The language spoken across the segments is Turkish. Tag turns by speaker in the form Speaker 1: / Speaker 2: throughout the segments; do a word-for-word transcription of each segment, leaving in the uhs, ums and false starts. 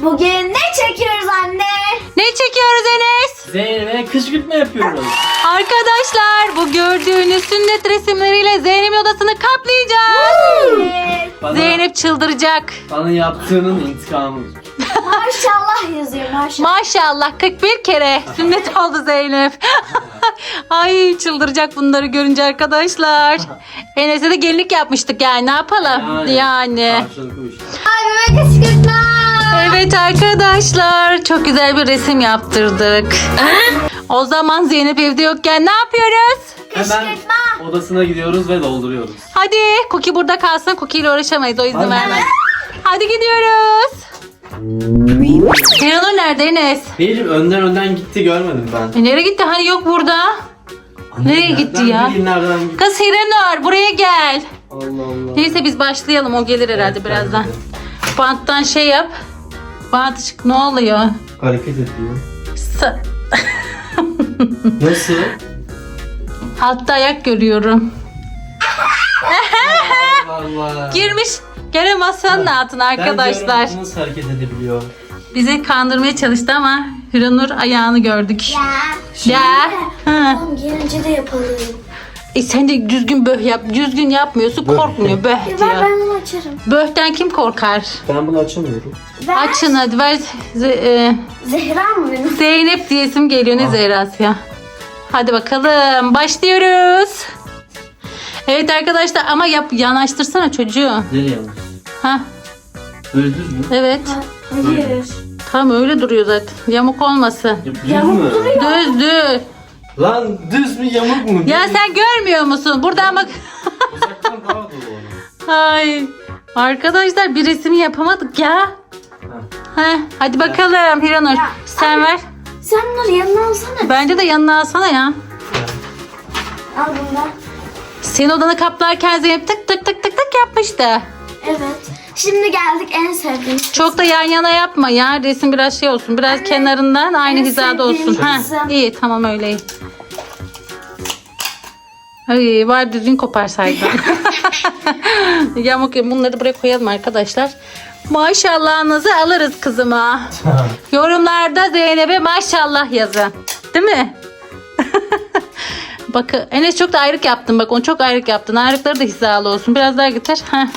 Speaker 1: Bugün ne çekiyoruz anne?
Speaker 2: Ne çekiyoruz Enes?
Speaker 3: Zeynep'e kışkırtma yapıyoruz.
Speaker 2: Arkadaşlar bu gördüğünüz sünnet resimleriyle Zeynep'in odasını kaplayacağız.
Speaker 1: Evet.
Speaker 3: Bana,
Speaker 2: Zeynep çıldıracak.
Speaker 3: bana yaptığının intikamı.
Speaker 1: Maşallah yazıyor maşallah.
Speaker 2: Maşallah kırk bir kere sünnet oldu Zeynep. Ay çıldıracak bunları görünce arkadaşlar. Enes'e de gelinlik yapmıştık yani ne yapalım yani.
Speaker 3: Karşılıklı işte.
Speaker 1: Abime kışkırtma.
Speaker 2: Evet arkadaşlar çok güzel bir resim yaptırdık. O zaman Zeynep evde yokken ne yapıyoruz?
Speaker 3: Hemen
Speaker 1: Kışkırtma.
Speaker 3: odasına gidiyoruz ve dolduruyoruz.
Speaker 2: Hadi Cookie burada kalsın. Cookie ile uğraşamayız o izin
Speaker 3: Hadi.
Speaker 2: vermez. Hadi gidiyoruz. Hiranur nerede Enes?
Speaker 3: Benim önden önden gitti görmedim ben.
Speaker 2: E, nereye gitti? Hani yok burada. Nereye
Speaker 3: Nereden
Speaker 2: gitti ya?
Speaker 3: bileyim nereden gitti?
Speaker 2: Kız Hiranur buraya gel.
Speaker 3: Allah Allah.
Speaker 2: Neyse biz başlayalım. O gelir herhalde
Speaker 3: Evet,
Speaker 2: birazdan.
Speaker 3: bence de.
Speaker 2: Banttan şey yap. Bant çık. Ne oluyor?
Speaker 3: Hareket ediyor.
Speaker 2: Sa-
Speaker 3: Nasıl?
Speaker 2: Altta ayak görüyorum.
Speaker 3: Allah Allah.
Speaker 2: Girmiş. Gene masanın altına arkadaşlar.
Speaker 3: Ben diyorum, nasıl hareket edebiliyor?
Speaker 2: Bizi kandırmaya çalıştı ama Hiranur ayağını gördük.
Speaker 1: Ya.
Speaker 2: Ya. Ha.
Speaker 1: Tamam gelince de yapalım.
Speaker 2: E sen de düzgün böh yap. Düzgün yapmıyorsun
Speaker 3: Böh.
Speaker 2: korkmuyor böh
Speaker 1: Ya ver
Speaker 2: diyor.
Speaker 1: ben bunu açarım.
Speaker 2: Böhten kim korkar?
Speaker 3: Ben bunu açamıyorum.
Speaker 1: Ver.
Speaker 2: Açın hadi ver. Z- e,
Speaker 1: Zehra mı benim?
Speaker 2: Zeynep diye isim geliyor ne
Speaker 3: Ah.
Speaker 2: Zehra'sı ya. Hadi bakalım başlıyoruz. Evet arkadaşlar ama yap yanaştırsana çocuğu.
Speaker 3: Nereye yanlış?
Speaker 2: Ha
Speaker 3: Böyle düz mü?
Speaker 2: evet.
Speaker 1: Hayır.
Speaker 2: Tam öyle duruyor zaten. Yamuk olmasın.
Speaker 3: Ya, düz
Speaker 1: Yamuk
Speaker 3: mü?
Speaker 1: duruyor.
Speaker 2: Düz düz.
Speaker 3: Lan düz mü yamuk mu?
Speaker 2: Ya sen görmüyor musun? Buradan bak.
Speaker 3: Uzaktan daha dolu onu.
Speaker 2: Ay. Arkadaşlar bir resmi yapamadık ya. Heh, hadi bakalım Hiranur.
Speaker 1: Ya,
Speaker 2: Sen ver.
Speaker 1: Sen bunları yanına alsana.
Speaker 2: Bence de yanına alsana ya.
Speaker 1: Al bunu da.
Speaker 2: Senin odanı kaplarken Zeynep tık tık tık tık tık yapmıştı.
Speaker 1: Evet. Şimdi geldik en sevdiğim.
Speaker 2: Çok da yan yana yapma ya. Resim biraz şey olsun. Biraz
Speaker 1: Anne,
Speaker 2: kenarından aynı
Speaker 1: en
Speaker 2: hizada olsun.
Speaker 1: sevdiğim
Speaker 2: Ha,
Speaker 1: kızım.
Speaker 2: iyi tamam öyle iyi. Ay var düzgün koparsaydın. Yamuk bunları buraya koyalım arkadaşlar. Maşallahınızı alırız kızıma. Yorumlarda Zeynep'e maşallah yazın. Değil mi? Bak Enes çok da ayrık yaptın. Bak onu çok ayrık yaptın. Ayrıkları da hizalı olsun. Biraz daha getir. Heh.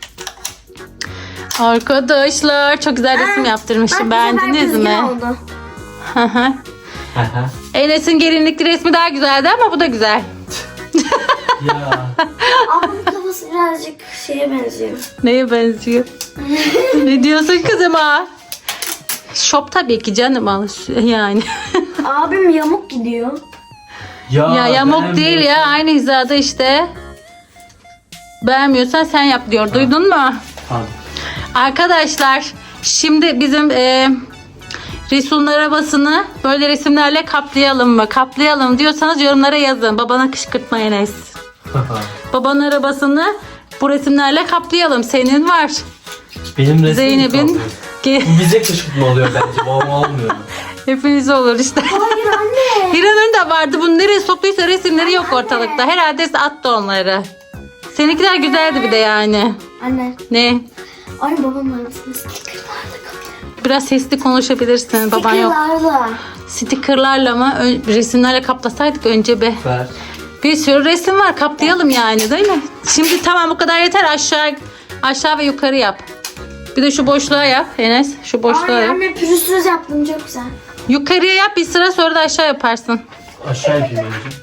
Speaker 2: Arkadaşlar çok güzel resim yaptırmışım. Beğendiniz mi?
Speaker 1: Oldu.
Speaker 2: Hı hı. Enes'in gelinlikli resmi daha güzeldi ama bu da güzel.
Speaker 3: Ya.
Speaker 1: Ablamın kafası birazcık şeye benziyor.
Speaker 2: Neye benziyor? Ne diyorsun kızıma? Şop tabii ki canım al yani.
Speaker 1: Abim yamuk gidiyor.
Speaker 3: Ya,
Speaker 2: ya yamuk
Speaker 3: ben
Speaker 2: değil
Speaker 3: bu-
Speaker 2: ya aynı hizada işte. Beğenmiyorsan sen yap diyor. Duydun mu?
Speaker 3: Tamam.
Speaker 2: Arkadaşlar şimdi bizim e, Resul'un arabasını böyle resimlerle kaplayalım mı? Kaplayalım diyorsanız yorumlara yazın. Babana kışkırtma Enes. Babanın arabasını bu resimlerle kaplayalım. Senin var.
Speaker 3: Benim resmim
Speaker 2: Zeynep'in
Speaker 3: kaldı.
Speaker 2: Ge-
Speaker 3: Bu bize kışkırtma oluyor bence. Babama olmuyor.
Speaker 2: hepiniz olur işte.
Speaker 1: Hayır anne.
Speaker 2: Hiranur'un da vardı. Bunu nereye soktuysa resimleri yok ortalıkta. Herhalde attı onları. Seninkiler güzeldi bir de yani.
Speaker 1: Anne.
Speaker 2: Ne?
Speaker 1: Ay babamın arabasını stickerlarla kapıyorum.
Speaker 2: Biraz sesli konuşabilirsin. Baban yok.
Speaker 1: Stickerlarla.
Speaker 2: Stickerlarla mı? Ö- resimlerle kaplasaydık önce be.
Speaker 3: Ver.
Speaker 2: Bir sürü resim var. Kaplayalım yani değil mi? Şimdi tamam bu kadar yeter. Aşağı aşağı ve yukarı yap. Bir de şu boşluğa yap Enes. Şu boşluğa
Speaker 1: Ay
Speaker 2: yap.
Speaker 1: anne pürüzsüz yaptım çok güzel.
Speaker 2: Yukarıya yap bir sıra sonra da aşağı yaparsın.
Speaker 3: Aşağı yapayım önce.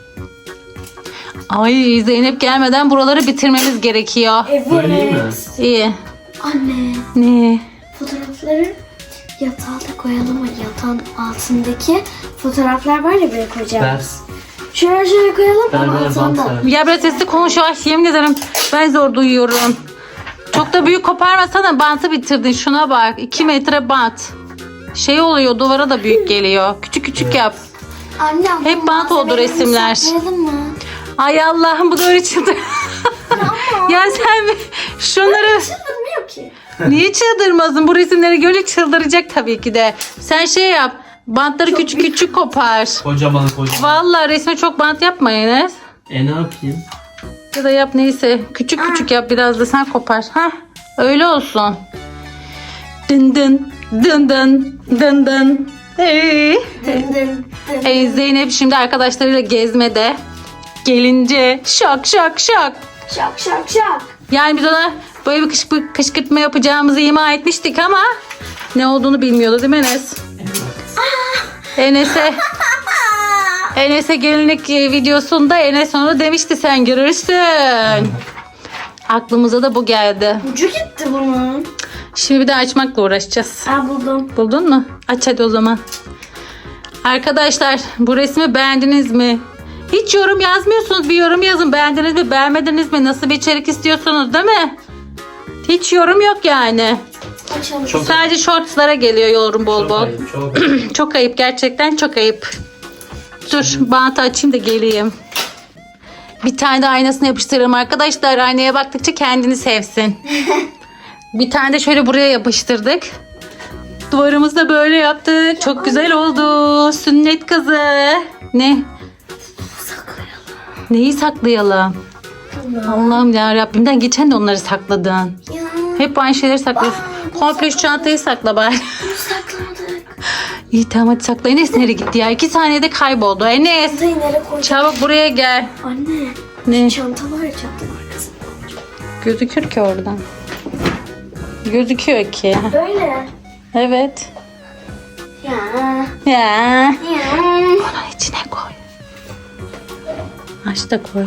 Speaker 2: Ay Zeynep gelmeden buraları bitirmemiz gerekiyor.
Speaker 1: Evet.
Speaker 3: Böyle iyi mi?
Speaker 2: İyi.
Speaker 1: Anne
Speaker 2: Ne?
Speaker 1: fotoğrafları yatağa da koyalım mı? Yatağın altındaki fotoğraflar var ya buraya koyacağım.
Speaker 3: Ver.
Speaker 1: Şöyle şöyle koyalım
Speaker 3: Ver
Speaker 1: ama
Speaker 3: ver bant
Speaker 1: altında.
Speaker 3: ver.
Speaker 2: Ya biraz sesli konuş yavaş yemin ederim. Ben zor duyuyorum. Çok da büyük koparmasana bantı bitirdin. Şuna bak. iki metre bant. Şey oluyor duvara da büyük geliyor. Küçük küçük yap.
Speaker 1: Anne ama
Speaker 2: Hep bant oldu
Speaker 1: malzemeleri
Speaker 2: resimler.
Speaker 1: saklayalım mı?
Speaker 2: Ay Allah'ım bu da öyle çıktı. Ya sen bir- şunları
Speaker 1: Çıldırmıyor ki.
Speaker 2: niye çıldırmasın? Bu resimleri görünce çıldıracak tabii ki de. Sen şey yap. Bantları küçük küçük kopar.
Speaker 3: Kocaman kocaman.
Speaker 2: Vallahi resme çok bant yapma Enes.
Speaker 3: E ne yapayım?
Speaker 2: Ya da yap neyse. Küçük küçük yap biraz da sen kopar. Hah öyle olsun. Dın dın Dın dın dın dın. Hey.
Speaker 1: Dın dın dın.
Speaker 2: Hey, Zeynep şimdi arkadaşlarıyla gezmede. Gelince şok şok şok.
Speaker 1: Şak şak şak.
Speaker 2: Yani biz ona böyle bir kışkı- kışkırtma yapacağımızı ima etmiştik ama ne olduğunu bilmiyordu değil mi Enes? Enes'e Enes'e gelinlik videosunda Enes onu demişti, sen görürsün. Aklımıza da bu geldi.
Speaker 1: Ucu gitti bunun.
Speaker 2: Şimdi bir de açmakla uğraşacağız.
Speaker 1: Aa buldum.
Speaker 2: Buldun mu? Aç hadi o zaman. Arkadaşlar bu resmi beğendiniz mi? Hiç yorum yazmıyorsunuz. Bir yorum yazın. Beğendiniz mi? Beğenmediniz mi? Nasıl bir içerik istiyorsunuz değil mi? Hiç yorum yok yani.
Speaker 1: Açalım.
Speaker 3: Çok
Speaker 2: Sadece shortslara geliyor yorum bol
Speaker 3: Çok
Speaker 2: bol.
Speaker 3: ayıp, çok ayıp.
Speaker 2: Çok ayıp, gerçekten çok ayıp. Dur bantı açayım da geleyim. Bir tane de aynasını yapıştırırım arkadaşlar. Aynaya baktıkça kendini sevsin. Bir tane de şöyle buraya yapıştırdık. Duvarımızı da böyle yaptık. Çok güzel oldu. Sünnet kızı. Ne?
Speaker 1: Saklayalım.
Speaker 2: Neyi saklayalım? Allah'ım ya Rabbimden geçen de onları sakladın.
Speaker 1: Ya.
Speaker 2: Hep aynı şeyleri saklıyorsun. Komple şu çantayı sakla bari.
Speaker 1: Bunu saklamadık.
Speaker 2: İyi tamam hadi sakla. Enes nereye gitti ya? İki saniyede kayboldu. Enes
Speaker 1: Çantayı nereye koyacağım?
Speaker 2: çabuk buraya gel.
Speaker 1: Anne.
Speaker 2: Ne?
Speaker 1: Çanta var ya, çantanın arkasında.
Speaker 2: Gözükür ki oradan. Gözüküyor ki.
Speaker 1: Böyle.
Speaker 2: Evet.
Speaker 1: Ya.
Speaker 2: Ya.
Speaker 1: Ya.
Speaker 2: Onun içine koy. Aç da koy.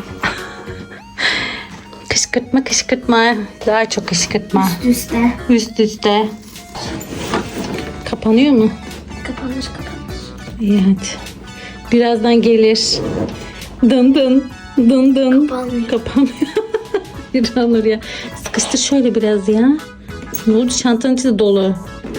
Speaker 2: Kışkırtma kışkırtma. Daha çok kışkırtma.
Speaker 1: Üste.
Speaker 2: Üst üste. Kapanıyor mu?
Speaker 1: Kapanmış kapanmış.
Speaker 2: İyi hadi. Birazdan gelir. Dın dın. Dın dın.
Speaker 1: Kapanmıyor.
Speaker 2: Kapanmıyor. Bir olur ya. Sıkıştır şöyle biraz ya. Ne oldu? Çantanın içi de dolu.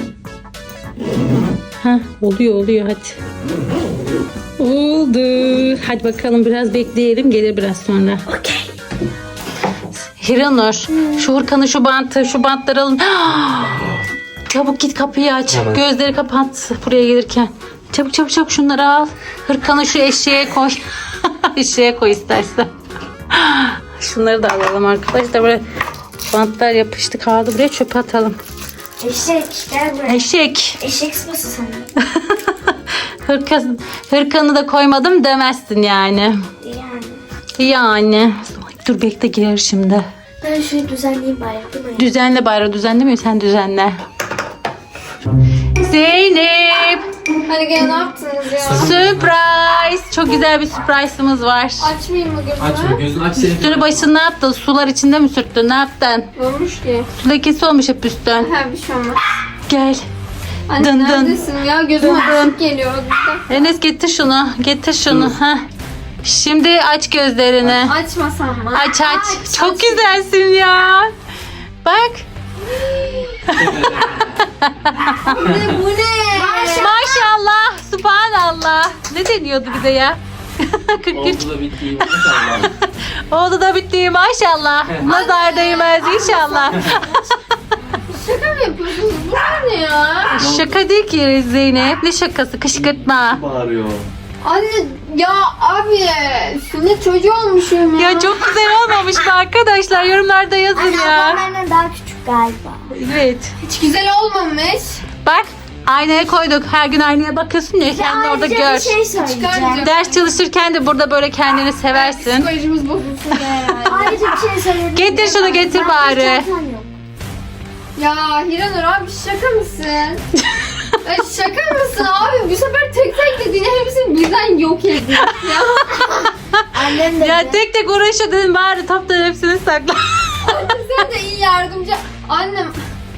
Speaker 2: Ha oluyor oluyor hadi. Oldu. Hadi bakalım biraz bekleyelim. Gelir biraz sonra.
Speaker 1: Okey.
Speaker 2: Hiranur şu hırkanı, şu bantı, şu bantları alın. Çabuk git kapıyı aç.
Speaker 3: Tamam.
Speaker 2: Gözleri kapat buraya gelirken. Çabuk çabuk çabuk şunları al. Hırkanı şu eşeğe koy. Eşeğe koy istersen. Şunları da alalım arkadaşlar. Böyle bantlar yapıştı kaldı. Buraya çöpe atalım.
Speaker 1: Eşek gel buraya.
Speaker 2: Eşek.
Speaker 1: Eşek sıpası sana.
Speaker 2: Hırka, hırkanı da koymadım demezsin yani.
Speaker 1: Yani.
Speaker 2: Yani. Dur bekle girer şimdi.
Speaker 1: Ben şunu düzenleyeyim bari, değil mi?
Speaker 2: Düzenle bari, düzenlemiyor sen düzenle. Zeynep.
Speaker 4: Hadi gel, ne yaptınız ya?
Speaker 2: Surprise. Çok güzel bir surprise'ımız var.
Speaker 4: Açmayayım mı gözümü?
Speaker 3: Açma gözünü aç seni.
Speaker 2: Üstünü başını ne yaptın? Sular içinde mi sürttün? Ne yaptın?
Speaker 4: Ne olmuş ki?
Speaker 2: Su lekesi olmuş hep üstten.
Speaker 4: Ha, bir şey olmaz.
Speaker 2: Gel.
Speaker 4: Anne
Speaker 2: Dın dın.
Speaker 4: neredesin ya? Gözüme ışık geliyor.
Speaker 2: Enes getir şunu. Getir şunu. Heh. Şimdi aç gözlerini.
Speaker 4: Açmasam mı?
Speaker 2: Aç aç. Çok güzelsin ya. Bak.
Speaker 4: Bu ne? Bu ne?
Speaker 2: Maşallah. Subhanallah. Ne deniyordu bize ya? kırk üç.
Speaker 3: Oldu da bitti. Maşallah.
Speaker 2: Oldu da bitti maşallah. Nazar değmez inşallah.
Speaker 4: Şaka mı yapıyorsunuz? Bu ne ya?
Speaker 2: Şaka değil ki Zeynep. Ne şakası? Kışkırtma.
Speaker 3: Bağırıyor.
Speaker 4: Anne ya abi, sünnet çocuğu olmuşum ya.
Speaker 2: Ya çok güzel olmamış mı arkadaşlar? Yorumlarda yazın
Speaker 1: Anne
Speaker 2: ya.
Speaker 1: ablam benden daha küçük galiba.
Speaker 2: Evet.
Speaker 4: Hiç güzel olmamış.
Speaker 2: Bak aynaya koyduk. Her gün aynaya bakıyorsun ya. Sen de orada
Speaker 1: Ayrıca
Speaker 2: gör.
Speaker 1: bir şey söyleyeceğim.
Speaker 4: Çıkaracağım.
Speaker 2: Ders çalışırken de burada böyle kendini seversin.
Speaker 4: Psikolojimiz bozulsun ya yani.
Speaker 1: Ayrıca bir şey söyleyeyim.
Speaker 2: Getir şunu, getir
Speaker 1: Ben
Speaker 2: bari.
Speaker 1: bir çantam yok.
Speaker 4: Ya Hiranur abi, şaka mısın? Ya şaka mısın abi? Bu sefer tek tek dediğin hepsini birden yok edin. Ya.
Speaker 1: Annem de.
Speaker 2: Ya tek tek uğraşa dedim bari toptan hepsini sakla.
Speaker 4: Anne sen de iyi yardımcı. Annem.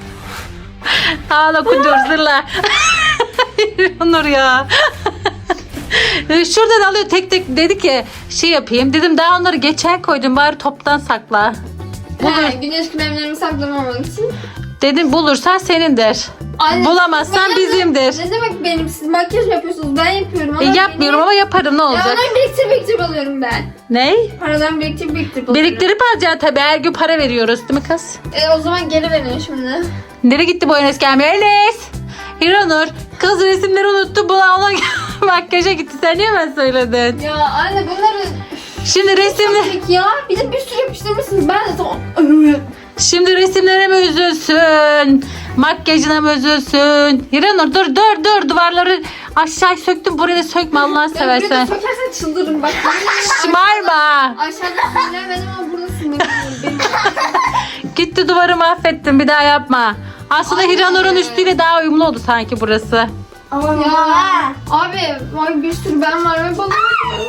Speaker 2: Ağla kundur zırla. Onur ya. Şuradan alıyor tek tek, dedi ki şey yapayım. Dedim daha onları geçen koydum bari toptan sakla.
Speaker 4: He, güneş kremlerimi saklamamak için.
Speaker 2: Dedim bulursan senindir.
Speaker 4: Anne,
Speaker 2: Bulamazsan
Speaker 4: ben-
Speaker 2: bizimdir.
Speaker 4: Ne demek benim? Siz makyaj mı yapıyorsunuz? Ben yapıyorum.
Speaker 2: E,
Speaker 4: ama
Speaker 2: yapmıyorum
Speaker 4: beni-
Speaker 2: ama yaparım ne
Speaker 4: Ya
Speaker 2: olacak?
Speaker 4: onları biriktir biriktir alıyorum ben.
Speaker 2: Ney?
Speaker 4: Paradan biriktir biriktir alıyorum.
Speaker 2: Biriktirip alacaksın tabii. Her gün para veriyoruz değil mi kız?
Speaker 4: E, o zaman geri verin şimdi.
Speaker 2: Nereye gitti bu Enes gelmiyor? Enes! Hiranur kız resimleri unuttu. Buna ona makyaja gitti. Sen niye ben söyledin?
Speaker 4: Ya anne bunları
Speaker 2: Şimdi resimli...
Speaker 4: Tek ya. Bir de bir sürü yapıştırmışsınız. Ben de tamam.
Speaker 2: Şimdi resimlere mi üzülsün? Makyajına mı üzülsün? Hiranur dur dur dur. Duvarları aşağı söktüm. Burayı da sökme Allah'ını
Speaker 4: Ben buraya
Speaker 2: seversen.
Speaker 4: sokarsan çıldırırım bak.
Speaker 2: Şımarma.
Speaker 4: Aşağıda sinirlenmedim ama burada sinirlendim.
Speaker 2: Gitti duvarı mahvettin. Bir daha yapma. Aslında
Speaker 4: Anne.
Speaker 2: Hiranur'un üstüyle daha uyumlu oldu sanki burası.
Speaker 1: Aman
Speaker 4: Ya
Speaker 1: ya.
Speaker 4: abi vay bir sürü ben var ve bana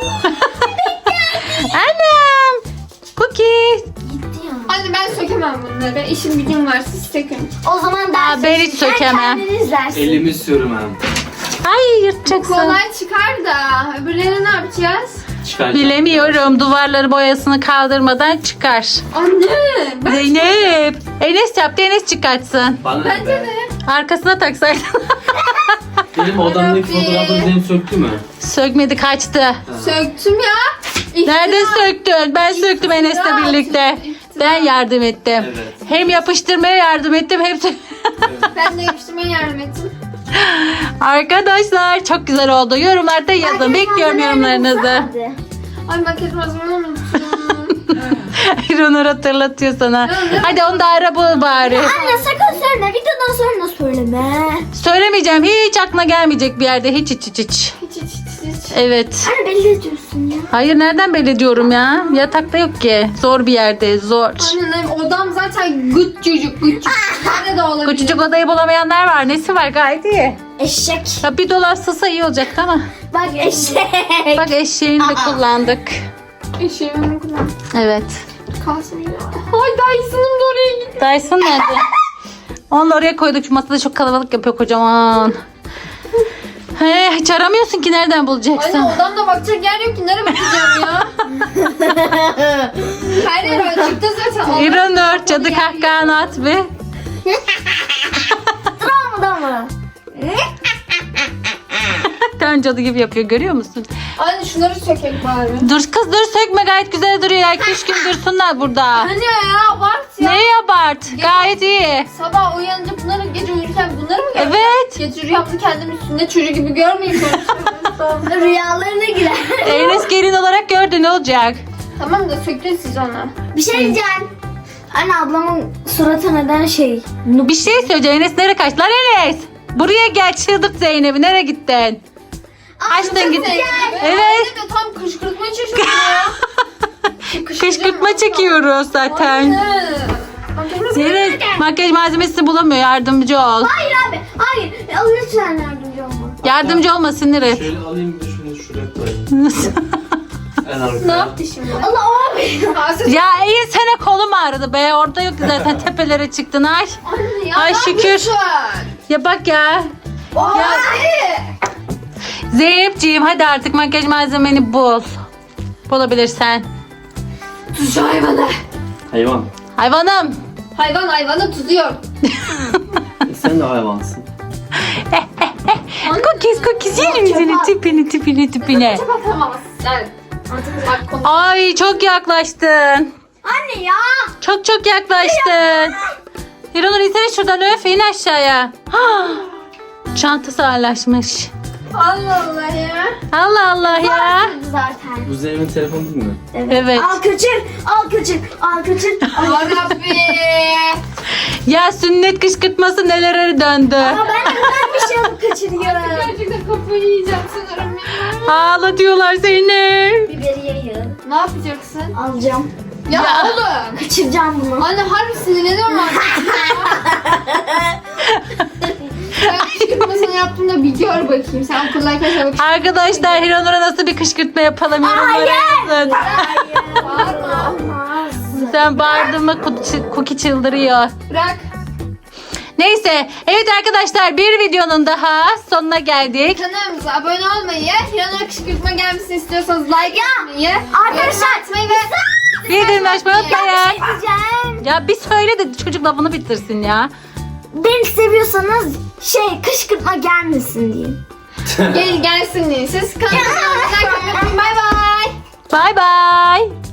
Speaker 2: Annem. Cookie.
Speaker 1: Gitti ya.
Speaker 4: Anne ben sökemem bunları. İşim gücüm var siz sökün.
Speaker 1: O zaman ders
Speaker 2: ben hiç
Speaker 1: çalışırken
Speaker 2: sökemem.
Speaker 1: kendiniz dersin.
Speaker 3: Elimi sürmem.
Speaker 2: Ay yırtacaksın.
Speaker 4: Kolay çıkar da öbürlerini ne yapacağız?
Speaker 3: Çıkaracağım.
Speaker 2: Bilemiyorum. Duvarları boyasını kaldırmadan çıkar.
Speaker 4: Anne ben
Speaker 2: Zeynep. Enes yaptı. Enes çıkartsın.
Speaker 3: Bana
Speaker 4: bence
Speaker 3: be.
Speaker 4: de.
Speaker 2: Arkasına taksaydın.
Speaker 3: Benim odamdaki
Speaker 4: Rabbi.
Speaker 3: fotoğrafları Zeynep söktü mü?
Speaker 2: Sökmedi kaçtı.
Speaker 4: Söktüm ya. İftira.
Speaker 2: Nerede söktün? Ben söktüm Enes'le
Speaker 4: İftira
Speaker 2: birlikte.
Speaker 4: atıyorsun, iftira.
Speaker 2: Ben yardım ettim.
Speaker 3: Evet.
Speaker 2: Hem yapıştırmaya yardım ettim hem sö-
Speaker 4: Ben de yapıştırmaya yardım ettim.
Speaker 2: Arkadaşlar çok güzel oldu. Yorumlarda yazın. Bekliyorum yorumlarınızı.
Speaker 4: Ay makyaj malzememi unuttum.
Speaker 2: İronur hatırlatıyor sana. Hadi onu da ara bul bari.
Speaker 1: Anne sakın söyleme. Videodan sonra söyleme.
Speaker 2: Söylemeyeceğim. Hiç aklına gelmeyecek bir yerde. Hiç hiç hiç hiç.
Speaker 4: Hiç hiç hiç hiç.
Speaker 2: Evet.
Speaker 1: Anne belli ediyorsun ya.
Speaker 2: Hayır nereden belli ediyorum ya? Yatakta yok ki. Zor bir yerde. Zor.
Speaker 4: Annem odam zaten gıt çocuk gıt çocuk. Nerede de olabilir.
Speaker 2: Küçücük odayı bulamayanlar var. Nesi var gayet iyi.
Speaker 1: Eşek.
Speaker 2: Ya bir dolap sığsa iyi olacaktı ama.
Speaker 1: Bak eşek.
Speaker 2: Bak eşeğini de kullandık.
Speaker 4: Eşeğimi kullan.
Speaker 2: Evet.
Speaker 4: Kalsın ya. Ay Dyson'ım da oraya gitti.
Speaker 2: Dyson nerede? Onu oraya koyduk. Şu masada çok kalabalık yapıyor kocaman. He, hiç aramıyorsun ki nereden bulacaksın?
Speaker 4: Anne odamda bakacak yer yok ki. Nereye bakacağım ya? Her yer açıkta zaten. Allah
Speaker 2: İranur cadı
Speaker 4: yer
Speaker 2: kahkahanı at bir.
Speaker 1: Travmada mı?
Speaker 2: Tam cadı gibi yapıyor görüyor musun?
Speaker 4: Anne şunları sökek bari.
Speaker 2: Dur kız dur sökme gayet güzel duruyor ya. iki üç gün dursunlar burada.
Speaker 4: Anne ya abart ya.
Speaker 2: Neyi abart? Gayet iyi.
Speaker 4: Sabah uyanınca bunları gece uyurken bunları mı göreceğim?
Speaker 2: Evet.
Speaker 4: Gece rüyamda kendim üstünde çocuğu gibi görmeyeyim. Böyle.
Speaker 1: Rüyalarına girer.
Speaker 2: Enes gelin olarak gördü ne olacak?
Speaker 4: Tamam da söktün siz onu.
Speaker 1: Bir şey diyeceğim. Anne ablamın suratı neden şey?
Speaker 2: Bir şey söyleyeceğim. Enes nereye kaçtı? Lan Enes. Buraya gel çıldırt Zeynep'i. Nereye gittin? Açtın git. Evet.
Speaker 4: Anne de tam kışkırtma çeşitli ya.
Speaker 2: Kışkırtma çekiyoruz zaten.
Speaker 4: Anne.
Speaker 2: Evet. Makyaj malzemesi bulamıyor. Yardımcı ol.
Speaker 1: Hayır abi. Hayır. Ya, lütfen yardımcı olma.
Speaker 2: Yardımcı olma sinir et.
Speaker 3: Şöyle alayım bir de şunu şuraya koyayım. En arkaya.
Speaker 4: Ne yaptı şimdi?
Speaker 1: Allah abi.
Speaker 4: Ağzı-
Speaker 2: Ya iyi sene kolum ağrıdı be. Orada yok ki zaten tepelere çıktın ay.
Speaker 4: Anne ya.
Speaker 2: Ay
Speaker 4: ne
Speaker 2: şükür.
Speaker 4: yapıyorsun?
Speaker 2: Ya bak ya.
Speaker 4: Ay.
Speaker 2: Zeynepciğim hadi artık makyaj malzemeni bul. Bulabilirsen.
Speaker 4: Tuzcu hayvanı.
Speaker 3: Hayvan.
Speaker 2: Hayvanım.
Speaker 4: Hayvan hayvanı tutuyor.
Speaker 3: E sen de hayvansın.
Speaker 2: Cookies cookies yerim seni tipini tipini tipini.
Speaker 4: Çok atamazsın sen. Bak konu.
Speaker 2: Ay çok yaklaştın.
Speaker 1: Anne ya.
Speaker 2: Çok çok yaklaştın. Hiranur insene şuradan öf in aşağıya. Ah, çantası ağırlaşmış.
Speaker 4: Allah Allah ya.
Speaker 2: Allah Allah ya.
Speaker 1: Zaten.
Speaker 3: Bu Zeynep'in telefonu değil mi?
Speaker 2: Evet.
Speaker 1: Al kaçır. Al kaçır. Al kaçır.
Speaker 4: Ya Rabbi.
Speaker 2: Ya sünnet kışkırtması nelere döndü.
Speaker 1: Ama ben de ben bir şey alıp kaçırıyorum.
Speaker 4: Gerçekten kafayı yiyeceğim sanırım ya.
Speaker 2: Ağla diyorlar Zeynep.
Speaker 1: Biberiye yağı.
Speaker 4: Ne yapacaksın?
Speaker 1: Alacağım.
Speaker 4: Ya,
Speaker 2: Ya.
Speaker 4: oğlum.
Speaker 1: Kaçıracağım bunu.
Speaker 4: Anne harbi sinirleniyorum artık. Ben kışkırtmasını yaptığımda bir gör bakayım. Sen okuldayken şöyle kışkırtma.
Speaker 2: Arkadaşlar Hiranur'a nasıl bir kışkırtma yapalım yorumlara yazın.
Speaker 4: Bağırma.
Speaker 1: Olmaz.
Speaker 2: Sen bağırdın mı Cookie çıldırıyor.
Speaker 4: Bırak.
Speaker 2: Neyse evet arkadaşlar bir videonun daha sonuna geldik.
Speaker 4: Kanalımıza abone olmayı, Hiranur kışkırtma gelmesini istiyorsanız like atmayı,
Speaker 1: arkadaşlar,
Speaker 4: yorum atmayı ve
Speaker 2: Bildirim açmayı
Speaker 1: Bir şey
Speaker 2: unutmayın.
Speaker 1: diyeceğim.
Speaker 2: Ya bir söyle de çocuk lafını bitirsin ya.
Speaker 1: Beni seviyorsanız şey kışkırtma gelmesin diyeyim.
Speaker 4: gel gelsin diye. Siz kanalımıza like atmayı unutmayın. Bay bay.
Speaker 2: Bay bay.